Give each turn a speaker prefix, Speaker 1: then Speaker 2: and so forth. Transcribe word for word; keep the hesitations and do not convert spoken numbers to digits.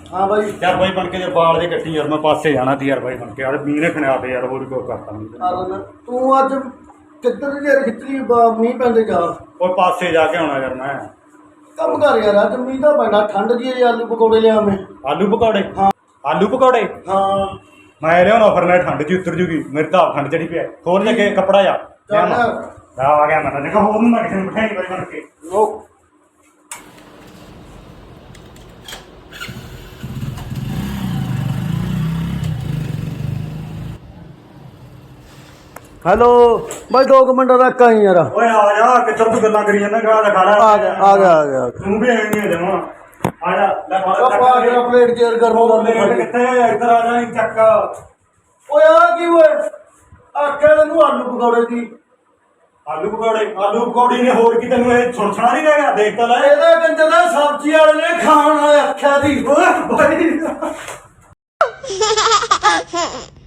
Speaker 1: हाँ भाई
Speaker 2: यार भाई बन के जो बाल जे कट्टी यार मैं पासे जाना थी यार भाई बन के यार मींह ने खणिया पे यार होर कोई करता नहीं
Speaker 1: अरे तू अज किधर यार खिचड़ी मीह पैंदे जा
Speaker 2: और पासे जाके आना यार मैं
Speaker 1: कम कर यार अज मीह तो पैना ठंड जी आलू पकौड़े लिया मैं
Speaker 2: आलू पकौड़े
Speaker 1: हाँ
Speaker 2: आलू पकौड़े
Speaker 1: हाँ
Speaker 2: मैं लिया फिर मैं ठंड जी उतर जूगी मेरी तो आप ठंड चढ़ी पे होर जगह कपड़ा जा
Speaker 1: चल
Speaker 2: आ गया मैं देखो होर मैं किसी ने बिठाई भाई बन के
Speaker 1: लो हेलो भाई दो मिनट रख आई यार
Speaker 2: ओए आ जा किधर तू गल्ला करी जाना गा खा
Speaker 1: आ गया आ गया आ गया
Speaker 2: तू भी आई नहीं जमा आ जा ले
Speaker 1: अब आ गया प्लेट चेयर कर लो
Speaker 2: किथे इधर आ जा चक्का
Speaker 1: ओ यार की होए आखे ਨੂੰ ਆਲੂ ਪਕੌੜੇ ਦੀ
Speaker 2: ਆਲੂ ਪਕੌੜੇ ਆਲੂ ਪਕੌੜੀ ਨੇ ਹੋਰ ਕੀ ਤੈਨੂੰ ਇਹ ਸੁਣਛਣਾ ਨਹੀਂ ਰਹਿ ਗਿਆ ਦੇਖ ਤਾਂ ਲੈ
Speaker 1: ਇਹਦਾ ਕੰਜਰ ਦਾ ਸਬਜ਼ੀ ਵਾਲੇ ਨੇ ਖਾਣ ਆਖਿਆ ਦੀ ਓਏ ਭਾਈ